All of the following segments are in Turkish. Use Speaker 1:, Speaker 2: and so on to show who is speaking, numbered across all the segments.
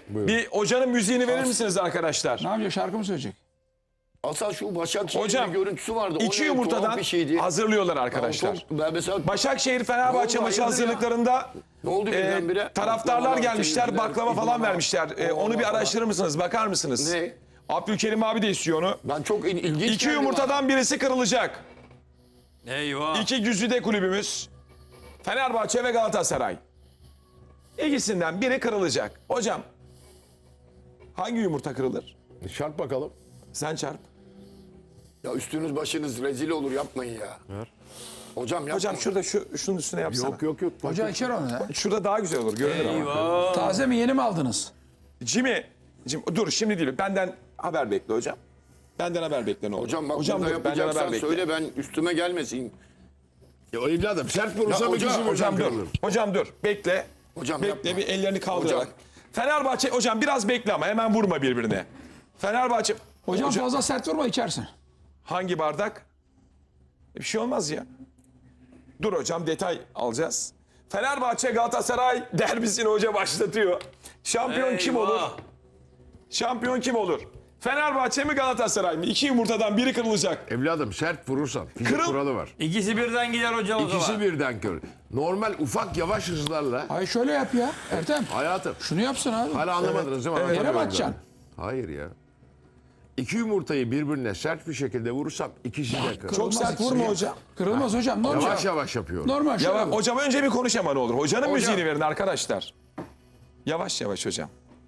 Speaker 1: Bir hocanın müziğini verir misiniz arkadaşlar?
Speaker 2: Ne yapacak? Şarkı mı söyleyecek?
Speaker 3: Asal şu Başakşehir'in
Speaker 1: Hocam,
Speaker 3: görüntüsü vardı. O
Speaker 1: İki
Speaker 3: ne,
Speaker 1: yumurtadan
Speaker 3: tuhaf bir şeydi.
Speaker 1: hazırlıyorlar arkadaşlar.
Speaker 3: Ben mesela
Speaker 1: Başakşehir Fenerbahçe
Speaker 3: Ne oldu,
Speaker 1: maçı
Speaker 3: hayırdır ya?
Speaker 1: hazırlıklarında
Speaker 3: Ne oldu birdenbire?
Speaker 1: taraftarlar
Speaker 3: Baklavalar,
Speaker 1: gelmişler,
Speaker 3: temizler,
Speaker 1: baklava falan
Speaker 3: idman,
Speaker 1: vermişler. Onu bir
Speaker 3: falan.
Speaker 1: araştırır mısınız? Bakar mısınız?
Speaker 3: Ne?
Speaker 1: Abdülkerim abi de istiyor onu.
Speaker 3: Ben çok ilginç
Speaker 1: İki
Speaker 3: geldi
Speaker 1: yumurtadan birisi kırılacak.
Speaker 4: Eyvah.
Speaker 1: İki güzide kulübümüz Fenerbahçe ve Galatasaray. İkisinden biri kırılacak. Hocam hangi yumurta kırılır?
Speaker 5: Çarp bakalım.
Speaker 1: Sen çarp.
Speaker 3: bana. Ya üstünüz başınız rezil olur, yapmayın ya. Hocam yapmayın.
Speaker 1: Hocam şurada şunun üstüne yapsana.
Speaker 5: Yok.
Speaker 2: Hoca içer onu ya.
Speaker 1: Şurada daha güzel olur. Görünür ama.
Speaker 4: Eyvah.
Speaker 2: Taze mi yeni mi aldınız?
Speaker 1: Jimmy, dur şimdi değil. Benden haber bekle hocam. Benden haber bekle ne olur.
Speaker 3: Hocam bak
Speaker 1: hocam
Speaker 3: burada
Speaker 1: dur, benden haber
Speaker 3: yapacaksan
Speaker 1: bekle.
Speaker 3: söyle, ben üstüme gelmesin.
Speaker 5: Ya evladım sert vurursa
Speaker 3: Ya
Speaker 5: bir
Speaker 3: hocam,
Speaker 5: kişi
Speaker 1: Hocam
Speaker 5: birden
Speaker 1: dur.
Speaker 5: kırılır.
Speaker 1: Hocam dur. Bekle.
Speaker 3: Hocam
Speaker 1: Bekle
Speaker 3: yapma.
Speaker 1: bir ellerini kaldırarak.
Speaker 3: Hocam.
Speaker 1: Fenerbahçe hocam biraz bekle ama hemen vurma birbirine. Fenerbahçe
Speaker 2: Hocam fazla sert vurma içersin.
Speaker 1: hangi bardak? Bir şey olmaz ya. Dur hocam detay alacağız. Fenerbahçe Galatasaray derbisini hoca başlatıyor. Şampiyon kim olur?
Speaker 4: Eyvah.
Speaker 1: Şampiyon kim olur? Fenerbahçe mi Galatasaray mı? İki yumurtadan biri kırılacak.
Speaker 5: Evladım sert vurursan fizik
Speaker 1: Kırıl-
Speaker 5: kuralı var.
Speaker 4: İkisi birden gider hocam o
Speaker 5: İkisi
Speaker 4: zaman.
Speaker 5: birden kır. Normal ufak yavaş hızlarla
Speaker 2: Hayır şöyle yap ya Ertem.
Speaker 5: hayatım.
Speaker 2: Şunu yapsın abi.
Speaker 5: Hala anlamadınız değil mi?
Speaker 2: Yere mi
Speaker 5: Anlatamıyorum
Speaker 2: atacaksın?
Speaker 5: ben. Hayır ya. İki yumurtayı birbirine sert bir şekilde vurursam ikisi de kırılır.
Speaker 1: Çok sert
Speaker 2: ikisi
Speaker 1: vurma
Speaker 2: ya.
Speaker 1: hocam.
Speaker 2: Kırılmaz hocam. Normal.
Speaker 5: Yavaş yavaş yapıyorum.
Speaker 2: Normal şöyle.
Speaker 1: Ya
Speaker 2: vur.
Speaker 1: hocam önce bir konuş ama ne olur. Hocanın müziğini verin arkadaşlar. Yavaş yavaş hocam.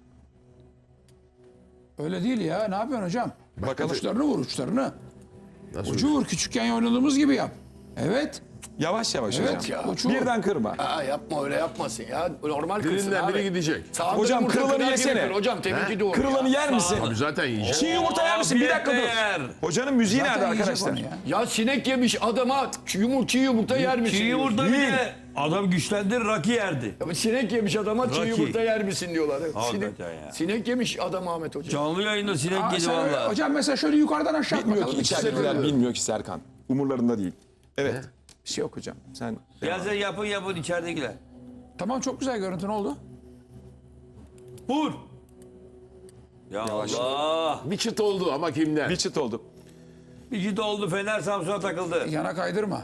Speaker 2: Öyle değil ya. Ne yapıyorsun hocam?
Speaker 1: Bakalım.
Speaker 2: Uçlarını vur uçlarını.
Speaker 5: Nasıl?
Speaker 2: Ucu vur. Küçükken oynadığımız gibi yap. Evet.
Speaker 1: Yavaş yavaş
Speaker 2: Evet
Speaker 1: hocam.
Speaker 2: ya. Ucu vur.
Speaker 1: Birden kırma.
Speaker 3: Aa, yapma, öyle yapmasın ya. Normal kırsın
Speaker 5: Birinden
Speaker 3: abi.
Speaker 5: biri gidecek.
Speaker 3: Sağında
Speaker 1: Hocam,
Speaker 3: yumurta
Speaker 1: kırılanı
Speaker 3: kırar gibi
Speaker 1: yesene.
Speaker 3: kır. Hocam teminki doğru.
Speaker 1: Kırılanı yer misin?
Speaker 5: Abi zaten yiyeceğim.
Speaker 1: Çiğ yumurta yer misin? Bir dakika dur.
Speaker 4: Yer.
Speaker 1: Hocanın müziği
Speaker 2: Zaten
Speaker 1: nerede
Speaker 2: yiyecek
Speaker 1: arkadaşlar?
Speaker 2: onu ya.
Speaker 3: Ya sinek yemiş adama çiğ yumurta yer misin?
Speaker 4: Çiğ
Speaker 3: diyorsun.
Speaker 4: yumurta bile adam güçlendirir rakı yerdi.
Speaker 3: Ya sinek yemiş adama çiğ
Speaker 4: Rocky.
Speaker 3: yumurta yer misin diyorlar.
Speaker 4: Hakikaten ya.
Speaker 3: Sinek yemiş adam Ahmet Hoca.
Speaker 4: Canlı yayında sinek
Speaker 2: Aa,
Speaker 4: yedi
Speaker 2: sen öyle-
Speaker 4: valla.
Speaker 2: hocam mesela şöyle yukarıdan aşağı at
Speaker 1: Bilmiyor ki
Speaker 2: bakalım.
Speaker 1: içeridekiler bilmiyor ki Serkan. Umurlarında değil. Evet. Bir şey yok hocam. Sen
Speaker 4: Gel sen yapın içeridekiler.
Speaker 2: Tamam çok güzel görüntü ne oldu?
Speaker 4: Vur. Ya Allah.
Speaker 5: Bir çıt oldu ama kimden?
Speaker 1: bir çıt oldu.
Speaker 4: Bir git oldu Fener Samsun'a takıldı.
Speaker 2: Yana kaydırma.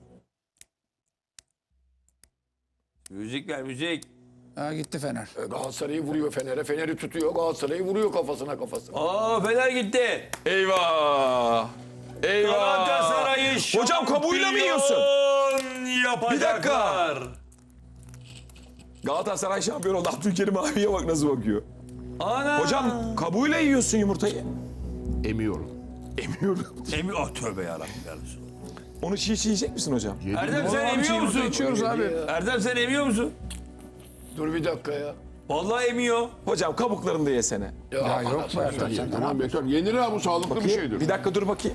Speaker 4: Müzik ver müzik.
Speaker 2: Ha, gitti Fener.
Speaker 3: Galatasaray'ı vuruyor Fener'e. Fener'i tutuyor. Galatasaray'ı vuruyor kafasına.
Speaker 4: Aa Fener gitti.
Speaker 1: Eyvah. Eyvah.
Speaker 4: Galatasaray'ı
Speaker 1: Hocam kabuğuyla mı yiyorsun?
Speaker 4: şampiyon yapacaklar.
Speaker 1: Galatasaray şampiyon oldu. Abdülkerim abiye bak nasıl bakıyor.
Speaker 4: Ana.
Speaker 1: Hocam kabuğuyla yiyorsun yumurtayı.
Speaker 5: Emiyorum.
Speaker 1: Emiyorum.
Speaker 4: Emi oh tövbe yarabbim kardeşim.
Speaker 1: Onu çiğ yiyecek misin hocam?
Speaker 4: Erdem sen
Speaker 2: Abi,
Speaker 4: emiyor
Speaker 2: çiğ yumurta
Speaker 4: musun?
Speaker 2: içiyoruz abi.
Speaker 4: Erdem sen emiyor musun?
Speaker 3: Dur bir dakika ya.
Speaker 4: Vallahi emiyor.
Speaker 1: Hocam kabuklarını da yesene.
Speaker 2: Ya yok mu Ertem sen?
Speaker 5: Tamam bekliyorum. Yenir ha, bu sağlıklı bir şeydir.
Speaker 1: Bir dakika dur bakayım.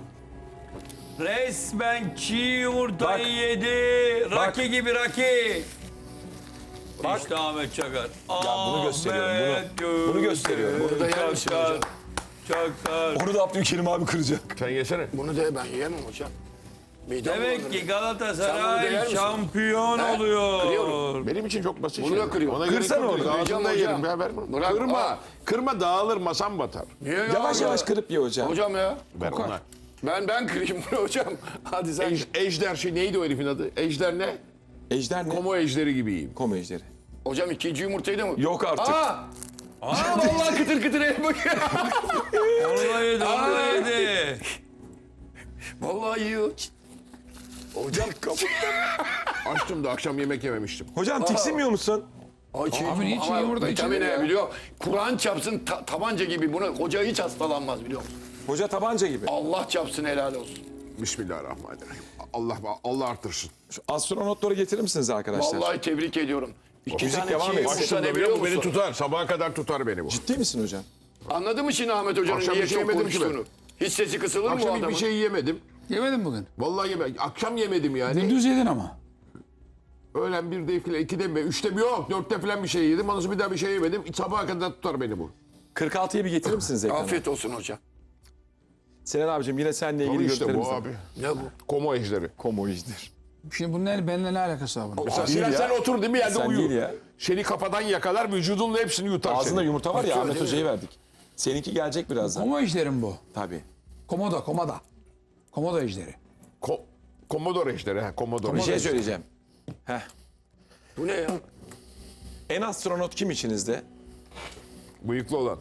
Speaker 4: Resmen çiğ yumurtayı
Speaker 1: Bak.
Speaker 4: yedi. Raki gibi Raki.
Speaker 1: Bak.
Speaker 4: İşte Ahmet Çakar.
Speaker 1: bunu gösteriyorum, bunu gösteriyorum.
Speaker 3: Bunu da yer misin
Speaker 4: Çakar.
Speaker 3: hocam?
Speaker 4: Çakar.
Speaker 1: Onu da Abdülkerim abi kıracak.
Speaker 5: Sen yesene.
Speaker 3: Bunu da ben yiyemem hocam. Midem
Speaker 4: Demek
Speaker 3: bulanır.
Speaker 4: ki
Speaker 3: Sen bunu da yer
Speaker 4: Galatasaray
Speaker 3: misin?
Speaker 4: şampiyon
Speaker 3: He?
Speaker 4: oluyor.
Speaker 3: Kırıyorum.
Speaker 5: Benim için çok basit
Speaker 3: Bunu da
Speaker 5: şeyler.
Speaker 3: kırıyor.
Speaker 5: Ona gerek
Speaker 1: Kırsana
Speaker 5: yok.
Speaker 1: onu.
Speaker 5: Ağzında
Speaker 3: Hocam,
Speaker 5: yerim.
Speaker 3: hocam.
Speaker 5: Ya ver bunu.
Speaker 3: Bırak,
Speaker 5: Kırma.
Speaker 3: al.
Speaker 5: Kırma, dağılır, masam batar.
Speaker 3: Niye ya?
Speaker 1: Yavaş yavaş kırıp ye hocam.
Speaker 3: Hocam ya.
Speaker 5: Ver ona.
Speaker 3: Ben kırayım bunu hocam. Hadi sen.
Speaker 5: Ejder şey neydi o herifin adı? Ejder ne?
Speaker 1: Ejder ne?
Speaker 5: Komo ejderi gibiyim.
Speaker 1: Komo ejderi.
Speaker 3: Hocam ikinci yumurtayı da mı?
Speaker 1: Yok artık.
Speaker 3: Aa vallahi kıtır kıtır elma.
Speaker 4: Onu da yedi, onu da yedi.
Speaker 3: Vallahi yiyor. Hocam kapı.
Speaker 5: Açtım da akşam yemek yememiştim.
Speaker 1: Hocam tiksinmiyor musun?
Speaker 3: Ay çiğ,
Speaker 2: Abi niye çiğ
Speaker 3: ama
Speaker 2: yumurta
Speaker 3: vitamini
Speaker 2: içilir ya?
Speaker 3: biliyor. Kur'an çapsın tabanca gibi bunu. Hoca hiç hastalanmaz biliyor musun?
Speaker 1: Hoca tabanca gibi.
Speaker 3: Allah çapsın helal olsun.
Speaker 5: Bismillahirrahmanirrahim. Allah artırsın.
Speaker 1: Şu astronotları getirir misiniz arkadaşlar?
Speaker 3: Vallahi tebrik ediyorum. İki
Speaker 1: Müzik
Speaker 3: tane
Speaker 1: devam
Speaker 3: çiğ
Speaker 1: etsin.
Speaker 3: yumurta
Speaker 5: Açtım
Speaker 3: ne
Speaker 5: da
Speaker 3: biliyor
Speaker 5: bu beni
Speaker 3: musun?
Speaker 5: tutar. Sabaha kadar tutar beni bu.
Speaker 1: Ciddi misin hocam?
Speaker 3: Anladın mı şimdi Ahmet Hoca'nın
Speaker 5: Akşam
Speaker 3: niye
Speaker 5: bir şey
Speaker 3: çok
Speaker 5: yemedim ki ben.
Speaker 3: konuştuğunu? Hiç sesi kısılır mı o
Speaker 5: Akşam
Speaker 3: adamın?
Speaker 5: hiçbir şey yemedim.
Speaker 2: Yemedin bugün.
Speaker 5: Vallahi yemedim. Akşam yemedim yani.
Speaker 2: Gündüz yedin ama.
Speaker 5: Öğlen 1'de falan, 2'de mi? 3'te mi? Yok. 4'te falan bir şey yedim. Ondan sonra bir daha bir şey yemedim. Sabaha kadar tutar beni bu.
Speaker 1: 46'yı bir getirir misiniz ekrana?
Speaker 3: Afiyet olsun hocam.
Speaker 1: Sinan abicim yine seninle ilgili
Speaker 5: Tabii işte
Speaker 1: görüntülerimiz
Speaker 5: bu
Speaker 1: var.
Speaker 5: abi.
Speaker 3: Ne bu?
Speaker 5: Komo ejderi.
Speaker 1: Komo ejder.
Speaker 2: Şimdi bunun benimle ne alakası var bunun?
Speaker 5: Mesela
Speaker 1: değil
Speaker 5: Sinan
Speaker 1: ya.
Speaker 5: sen otur değil mi yerde
Speaker 1: Sen
Speaker 5: uyu.
Speaker 1: değil ya.
Speaker 5: Seni kafadan yakalar vücudunla hepsini yutar
Speaker 1: Ağzında
Speaker 5: seni.
Speaker 1: yumurta var ya
Speaker 3: Yutuyor,
Speaker 1: Ahmet
Speaker 3: değil mi?
Speaker 1: Hoca'ya verdik. Seninki gelecek birazdan.
Speaker 2: Komo ejderi bu?
Speaker 1: Tabii.
Speaker 2: Komodo. Komodo ejderi.
Speaker 5: Komodor ejderi. Ha, Komodor
Speaker 1: Bir şey
Speaker 5: ejderi.
Speaker 1: söyleyeceğim. Heh.
Speaker 3: Bu ne ya?
Speaker 1: En astronot kim içinizde?
Speaker 5: Bıyıklı olan.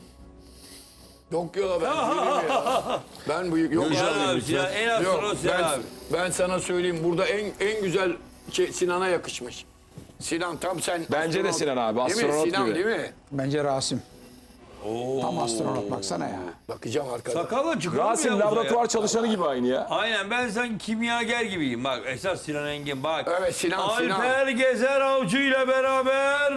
Speaker 3: Yok ya ben değilim ya. Ben bu yok
Speaker 4: Sinan abi,
Speaker 3: abi.
Speaker 4: Sinan, en az
Speaker 3: Yok
Speaker 4: sonra Sinan abi.
Speaker 3: ben sana söyleyeyim burada en güzel Sinan'a yakışmış. Sinan tam sen.
Speaker 1: Bence de Sinan abi,
Speaker 3: Değil mi?
Speaker 1: astronot
Speaker 3: Sinan
Speaker 1: gibi.
Speaker 3: değil mi?
Speaker 2: Bence Rasim. Tam astronot baksana ya.
Speaker 3: Bakacağım arkada.
Speaker 4: Sakalla çıkıyor mu
Speaker 1: Rasim
Speaker 4: ya uzağa
Speaker 1: laboratuvar
Speaker 4: ya?
Speaker 1: çalışanı gibi aynı ya.
Speaker 4: Aynen ben sanki kimyager gibiyim. Bak esas Sinan Engin bak.
Speaker 3: Evet, Sinan.
Speaker 4: Alper Gezer Avcı ile beraber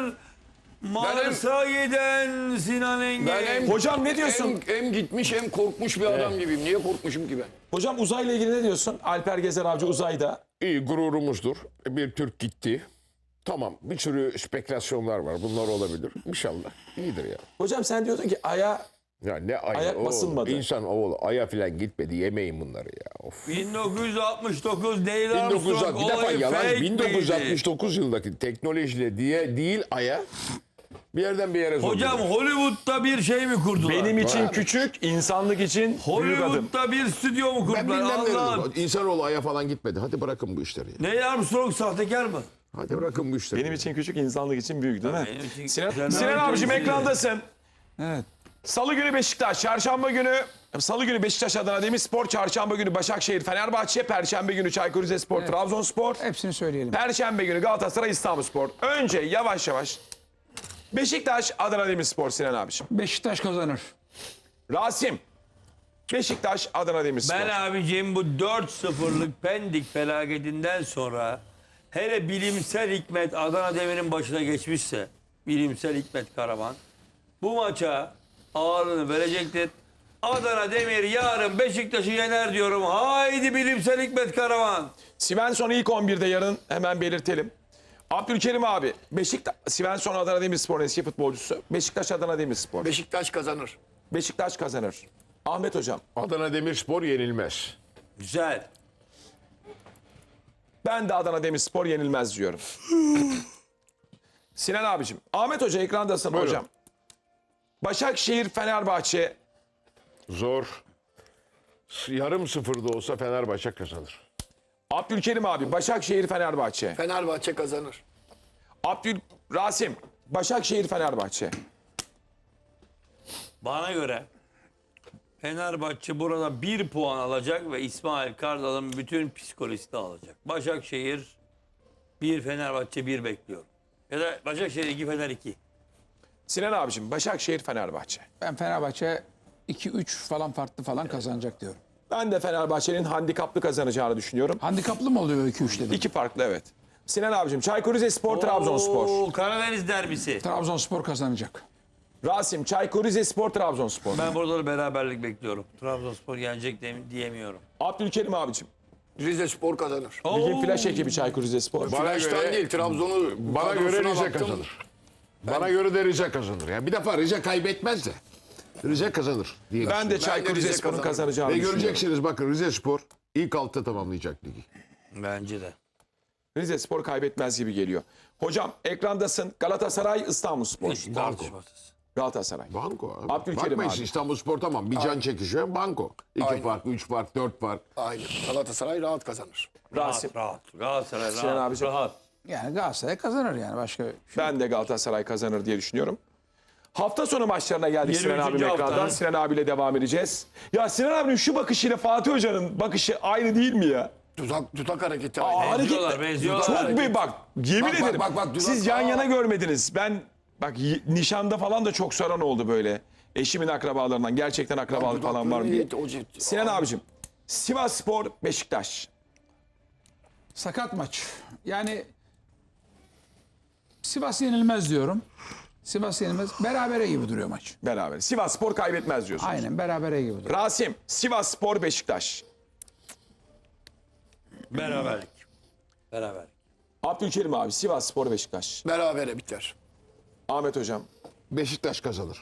Speaker 4: Mars'a giden Sinan Engin.
Speaker 3: Ben hem,
Speaker 1: Hocam ne diyorsun?
Speaker 3: hem gitmiş hem korkmuş bir adam gibiyim. Niye korkmuşum ki ben?
Speaker 1: Hocam uzayla ilgili ne diyorsun? Alper Gezer Avcı uzayda.
Speaker 5: İyi gururumuzdur. Bir Türk gitti. Tamam bir sürü spekülasyonlar var. Bunlar olabilir. İnşallah. İyidir ya.
Speaker 1: Hocam sen diyordun ki Ay'a
Speaker 5: Ya ne aya
Speaker 1: Ayak basılmadı.
Speaker 5: İnsan oğlu aya falan gitmedi. Yemeyin bunları ya. Of.
Speaker 4: 1969 Neil
Speaker 5: 1900
Speaker 4: Armstrong
Speaker 5: bir defa
Speaker 4: olayı
Speaker 5: yalan.
Speaker 4: fake miydi?
Speaker 5: 1969 yılındaki teknolojiyle diye değil aya bir yerden bir yere
Speaker 4: Hocam
Speaker 5: zorluyorlar.
Speaker 4: Hollywood'da bir şey mi kurdular?
Speaker 1: benim için
Speaker 5: Var.
Speaker 1: küçük, insanlık için büyük adım.
Speaker 4: Hollywood'da bir stüdyo mu
Speaker 5: Ben
Speaker 4: kurdular?
Speaker 5: bilmem
Speaker 4: Allah'ım.
Speaker 5: ne. İnsanoğlu aya falan gitmedi. Hadi bırakın bu işleri. Ya.
Speaker 4: Neil Armstrong sahtekar mı?
Speaker 5: Hadi bırakın bu işleri.
Speaker 1: Benim için küçük, insanlık için büyük değil mi?
Speaker 4: Benim için-
Speaker 1: Sinan,
Speaker 4: Sen
Speaker 1: Sinan
Speaker 4: abi
Speaker 1: abicim
Speaker 4: temsil
Speaker 1: ekrandasın.
Speaker 2: Evet.
Speaker 1: Salı günü Beşiktaş, çarşamba günü Salı günü Beşiktaş Adana Demirspor, çarşamba günü Başakşehir Fenerbahçe, perşembe günü Çaykur Rizespor Trabzonspor,
Speaker 2: Hepsini söyleyelim.
Speaker 1: perşembe günü Galatasaray İstanbulspor. Önce yavaş yavaş Beşiktaş Adana Demirspor Sinan abicim.
Speaker 2: Beşiktaş kazanır.
Speaker 1: Rasim Beşiktaş Adana Demirspor.
Speaker 4: Ben abicim bu 4-0'lık Pendik felaketinden sonra hele bilimsel Hikmet Adana Demir'in başına geçmişse bilimsel Hikmet Karaman bu maça ağırlığını verecektir. Adana Demir yarın Beşiktaş'ı yener diyorum. Haydi bilimsel Hikmet Karaman.
Speaker 1: Svensson ilk 11'de yarın hemen belirtelim. Abdülkerim abi Beşiktaş Svensson Adana Demirspor'un eski futbolcusu. Beşiktaş Adana Demirspor.
Speaker 3: Beşiktaş kazanır.
Speaker 1: Beşiktaş kazanır. Ahmet hocam
Speaker 5: Adana Demirspor yenilmez.
Speaker 4: Güzel.
Speaker 1: ben de Adana Demirspor yenilmez diyorum. Sinan abicim. Ahmet hoca ekrandasın
Speaker 5: Buyurun.
Speaker 1: hocam. Başakşehir Fenerbahçe.
Speaker 5: Zor. Yarım sıfırda olsa Fenerbahçe kazanır.
Speaker 1: Abdülkerim abi Başakşehir Fenerbahçe.
Speaker 3: Fenerbahçe kazanır.
Speaker 1: Rasim Başakşehir Fenerbahçe.
Speaker 4: Bana göre Fenerbahçe burada 1 puan alacak ve İsmail Kartal'ın bütün psikolojisini alacak. Başakşehir 1, Fenerbahçe 1 bekliyorum. Ya da Başakşehir 2, Fener 2.
Speaker 1: Sinan abicim Başakşehir Fenerbahçe.
Speaker 2: Ben Fenerbahçe 2-3 falan farklı falan kazanacak diyorum.
Speaker 1: Ben de Fenerbahçe'nin handikaplı kazanacağını düşünüyorum.
Speaker 2: Handikaplı mı oluyor 2-3 dedim?
Speaker 1: İki farklı evet. Sinan abicim Çaykur Rizespor Trabzonspor.
Speaker 4: Oo, Karadeniz derbisi.
Speaker 2: Trabzonspor kazanacak.
Speaker 1: Rasim Çaykur Rizespor Trabzonspor.
Speaker 4: Ben burada da beraberlik bekliyorum. Trabzonspor yenecek diyemiyorum.
Speaker 1: Abdülkerim abicim.
Speaker 3: Rizespor kazanır.
Speaker 1: Ligin flash ekibi Çaykur Rizespor.
Speaker 5: Bana
Speaker 3: Flash'tan
Speaker 5: göre-
Speaker 3: değil Trabzon'u
Speaker 5: Bana göre
Speaker 3: kadrosuna
Speaker 5: Rize
Speaker 3: baktım.
Speaker 5: kazanır. Bana göre de Rize kazanır. Yani bir defa Rize kaybetmez de. Rize kazanır diye
Speaker 1: Ben de
Speaker 5: düşünüyorum.
Speaker 1: Çaykur
Speaker 3: Rize
Speaker 1: Rizespor'un
Speaker 3: kazanır.
Speaker 1: kazanacağını
Speaker 5: Ve
Speaker 1: düşünüyorum.
Speaker 5: göreceksiniz bakın Rizespor ilk altta tamamlayacak ligi.
Speaker 4: Bence de.
Speaker 1: Rizespor kaybetmez gibi geliyor. Hocam ekrandasın. Galatasaray İstanbulspor.
Speaker 4: Hiç tartışmasız.
Speaker 1: Galatasaray.
Speaker 5: Banko abi.
Speaker 1: Abdülkerim
Speaker 5: Bakmayın
Speaker 1: abi.
Speaker 5: İstanbulspor tamam bir can çekişiyor. Banko. 2
Speaker 3: Aynen.
Speaker 5: fark, 3 fark, 4 fark.
Speaker 3: Aynen. Galatasaray rahat kazanır.
Speaker 1: Rasim.
Speaker 4: Rahat. Galatasaray
Speaker 1: Sinan
Speaker 4: rahat.
Speaker 1: abicim.
Speaker 4: Rahat.
Speaker 2: Yani Galatasaray kazanır yani başka bir şey.
Speaker 1: Ben de Galatasaray kazanır diye düşünüyorum. Hafta sonu maçlarına geldik Sinan
Speaker 4: 23.
Speaker 1: abinin
Speaker 4: hafta.
Speaker 1: ekrandan. Sinan abiyle devam edeceğiz. Ya Sinan abinin şu bakışıyla Fatih Hoca'nın bakışı aynı değil mi ya?
Speaker 3: Tutak hareketi
Speaker 1: Aa,
Speaker 3: aynı.
Speaker 4: Benziyorlar, benziyorlar.
Speaker 1: Çok bir bak yemin
Speaker 3: Bak, bak,
Speaker 1: ederim.
Speaker 3: bak, bak,
Speaker 1: Siz
Speaker 3: dudak-
Speaker 1: yan yana
Speaker 3: Aa.
Speaker 1: görmediniz. Ben bak nişanda falan da çok soran oldu böyle. Eşimin akrabalarından gerçekten akrabalık falan var mı diye. Sinan abicim Sivasspor Beşiktaş.
Speaker 2: Sakat maç. Yani Sivas yenilmez diyorum. Sivas yenilmez. Berabere gibi duruyor maç.
Speaker 1: Beraber. Sivasspor kaybetmez diyorsun.
Speaker 2: Aynen berabere gibi duruyor.
Speaker 1: Rasim Sivasspor Beşiktaş.
Speaker 4: Beraberlik. Beraberlik.
Speaker 1: Abdülkerim abi Sivasspor Beşiktaş.
Speaker 3: Berabere biter.
Speaker 1: Ahmet hocam.
Speaker 5: Beşiktaş kazanır.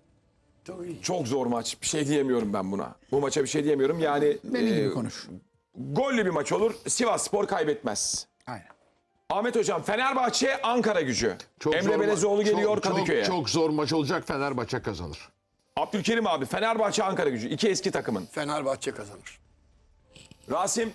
Speaker 1: Çok zor maç. Bir şey diyemiyorum ben buna. Bu maça bir şey diyemiyorum. Yani
Speaker 2: Benim gibi konuş.
Speaker 1: gollü bir maç olur. Sivasspor kaybetmez.
Speaker 2: Aynen.
Speaker 1: Ahmet Hocam Fenerbahçe Ankara Gücü.
Speaker 5: Çok
Speaker 1: Emre
Speaker 5: zor
Speaker 1: Belezoğlu geliyor
Speaker 5: çok,
Speaker 1: Kadıköy'e.
Speaker 5: Çok zor maç olacak, Fenerbahçe kazanır.
Speaker 1: Abdülkerim abi Fenerbahçe Ankara Gücü. İki eski takımın.
Speaker 3: Fenerbahçe kazanır.
Speaker 1: Rasim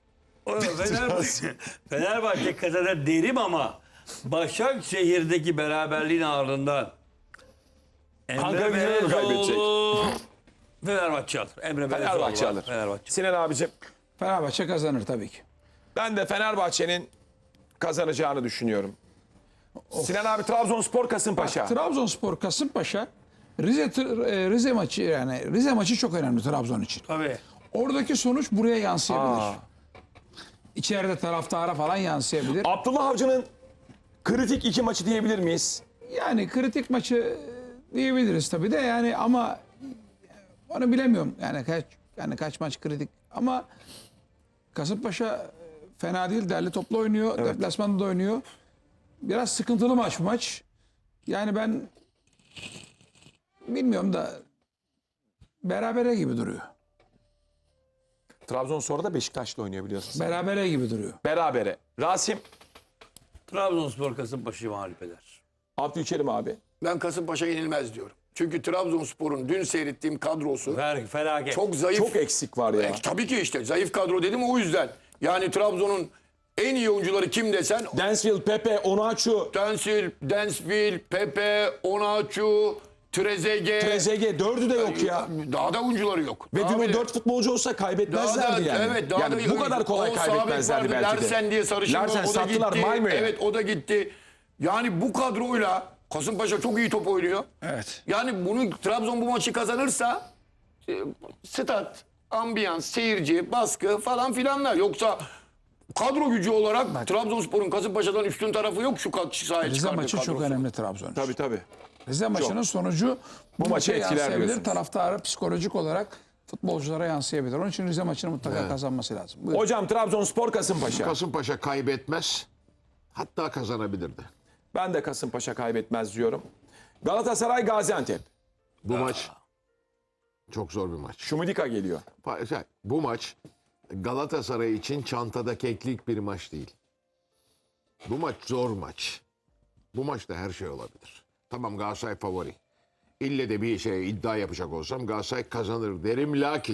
Speaker 4: Fenerbahçe kazanır derim ama Başakşehir'deki beraberliğin ardından
Speaker 1: Ankara
Speaker 4: Emre
Speaker 1: Gücü'ne mi
Speaker 4: Belezoğlu Fenerbahçe alır. Emre
Speaker 1: Fenerbahçe
Speaker 4: Belezoğlu
Speaker 1: alır.
Speaker 4: var, Fenerbahçe.
Speaker 1: Sinan abicim
Speaker 2: Fenerbahçe kazanır tabii ki.
Speaker 1: ben de Fenerbahçe'nin kazanacağını düşünüyorum. Sinan abi Trabzonspor Kasımpaşa.
Speaker 2: Trabzonspor Kasımpaşa Rize maçı, yani Rize maçı çok önemli Trabzon için.
Speaker 4: Tabii.
Speaker 2: Oradaki sonuç buraya yansıyabilir. İçeride taraftara falan yansıyabilir.
Speaker 1: Abdullah Avcı'nın kritik iki maçı diyebilir miyiz?
Speaker 2: Yani kritik maçı diyebiliriz tabii de, yani ama onu bilemiyorum. Yani kaç maç kritik ama Kasımpaşa fena değil, derli toplu oynuyor. Deplasmanda da oynuyor. Biraz sıkıntılı maç bu maç. Yani ben bilmiyorum da berabere gibi duruyor.
Speaker 1: Trabzonspor'da da Beşiktaş'la oynuyor biliyorsunuz.
Speaker 2: Berabere gibi duruyor.
Speaker 1: Berabere. Rasim,
Speaker 4: Trabzonspor Kasımpaşa'yı mağlup eder.
Speaker 1: Abdülkerim abi.
Speaker 3: Ben Kasımpaşa yenilmez diyorum. Çünkü Trabzonspor'un dün seyrettiğim kadrosu
Speaker 4: Felaket.
Speaker 3: çok zayıf.
Speaker 1: Çok eksik var ya.
Speaker 3: Tabii ki işte zayıf kadro dedim o yüzden. Yani Trabzon'un en iyi oyuncuları kim desen
Speaker 1: Densville, Pepe, Onaçu,
Speaker 3: Densville, Pepe, Onaçu,
Speaker 1: Trezeguet dördü de yok ya.
Speaker 3: Daha da oyuncuları yok.
Speaker 1: Ve
Speaker 3: Daha
Speaker 1: dün o
Speaker 3: bile-
Speaker 1: 4 futbolcu olsa kaybetmezlerdi yani.
Speaker 3: Evet, daha
Speaker 1: yani
Speaker 3: da
Speaker 1: bu kadar kolay
Speaker 3: o sabit
Speaker 1: kaybetmezlerdi
Speaker 3: vardı,
Speaker 1: belki de.
Speaker 3: Larsen diye sarışın var,
Speaker 1: Larsen
Speaker 3: o da
Speaker 1: sattılar
Speaker 3: gitti.
Speaker 1: Malmö'ye.
Speaker 3: Evet, o da gitti. Yani bu kadroyla Kasımpaşa çok iyi top oynuyor.
Speaker 2: Evet.
Speaker 3: Yani bunu Trabzon bu maçı kazanırsa stat, ambiyans, seyirci, baskı falan filanlar. Yoksa kadro gücü olarak Trabzonspor'un Kasımpaşa'dan üstün tarafı yok şu sahaya
Speaker 2: Rize
Speaker 3: çıkardığı
Speaker 2: maçı çok
Speaker 3: kadrosu.
Speaker 2: önemli Trabzon için.
Speaker 1: Tabii.
Speaker 2: Rize maçının sonucu bu
Speaker 1: maçı
Speaker 2: maça
Speaker 1: etkiler
Speaker 2: yansıyabilir.
Speaker 1: diyorsunuz.
Speaker 2: Taraftarı psikolojik olarak futbolculara yansıyabilir. Onun için Rize maçını mutlaka kazanması lazım. Buyurun.
Speaker 1: Hocam Trabzonspor Kasımpaşa.
Speaker 5: Kasımpaşa kaybetmez, hatta kazanabilirdi.
Speaker 1: Ben de Kasımpaşa kaybetmez diyorum. Galatasaray Gaziantep.
Speaker 5: Bu maç çok zor bir maç.
Speaker 1: Şumidika geliyor.
Speaker 5: Bu maç Galatasaray için çantada keklik bir maç değil. Bu maç zor maç. Bu maçta her şey olabilir. Tamam, Galatasaray favori. İlle de bir şey iddia yapacak olsam Galatasaray kazanır derim, lakin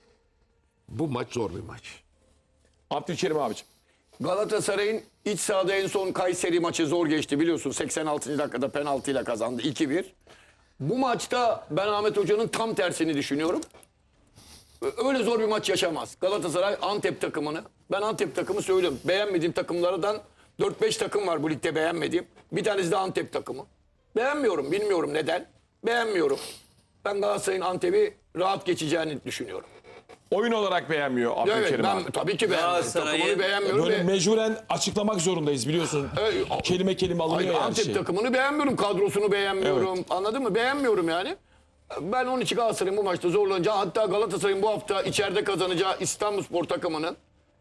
Speaker 5: bu maç zor bir maç.
Speaker 1: Abdülkerim abicim.
Speaker 3: Galatasaray'ın iç sahada en son Kayseri maçı zor geçti biliyorsun. 86. dakikada penaltıyla kazandı 2-1. Bu maçta ben Ahmet Hoca'nın tam tersini düşünüyorum. Öyle zor bir maç yaşamaz. Galatasaray Antep takımını, ben Antep takımı söylüyorum. Beğenmediğim takımlardan 4-5 takım var bu ligde beğenmediğim. Bir tanesi de Antep takımı. Beğenmiyorum, bilmiyorum neden. Beğenmiyorum. Ben Galatasaray'ın Antep'i rahat geçeceğini düşünüyorum.
Speaker 1: Oyun olarak beğenmiyor
Speaker 3: Evet,
Speaker 1: Abdülkerim
Speaker 3: ben
Speaker 1: abi.
Speaker 3: tabii ki beğenmiyorum.
Speaker 4: Galatasaray'ın
Speaker 3: Takımını beğenmiyorum.
Speaker 1: Böyle
Speaker 3: ve-
Speaker 1: mecburen açıklamak zorundayız biliyorsun. Kelime kelime alınıyor
Speaker 3: Hayır,
Speaker 1: her
Speaker 3: Antep
Speaker 1: şey.
Speaker 3: takımını beğenmiyorum. Kadrosunu beğenmiyorum. Anladın mı? Beğenmiyorum yani. Ben onun için Galatasaray'ın bu maçta zorlanacağı, hatta Galatasaray'ın bu hafta içeride kazanacağı İstanbulspor takımının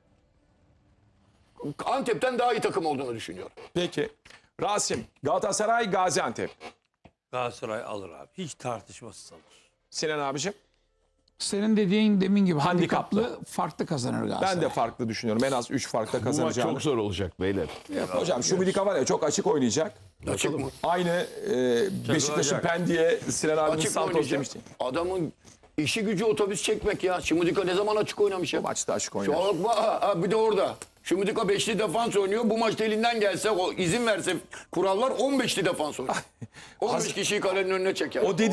Speaker 3: Antep'ten daha iyi takım olduğunu düşünüyorum.
Speaker 1: Peki. Rasim, Galatasaray Gaziantep.
Speaker 4: Galatasaray alır abi. Hiç tartışmasız alır.
Speaker 1: Sinan abicim.
Speaker 2: Senin dediğin demin gibi
Speaker 1: Handikaplı.
Speaker 2: handikaplı farklı kazanır Galatasaray.
Speaker 1: Ben de farklı düşünüyorum. En az 3 farkla
Speaker 5: Bu maç
Speaker 1: kazanacağını.
Speaker 5: çok zor olacak beyler.
Speaker 1: Hocam Şumidika var ya çok açık oynayacak.
Speaker 3: Açık mı?
Speaker 1: Aynı Beşiktaş'ın
Speaker 4: oynayacak.
Speaker 1: Pendik'e Sinan abimiz
Speaker 3: Açık mı
Speaker 1: Santos
Speaker 3: oynayacak?
Speaker 1: demişti.
Speaker 3: Adamın işi gücü otobüs çekmek ya. Şumudika ne zaman açık oynamış ya?
Speaker 1: Bu maçta açık oynar.
Speaker 3: Çok bir de orada. Şumudika 5'li defans oynuyor. Bu maçta elinden gelse, o izin verse kurallar 15'li defans oynuyor. 15 kişiyi kalenin önüne çeker.
Speaker 1: O dedi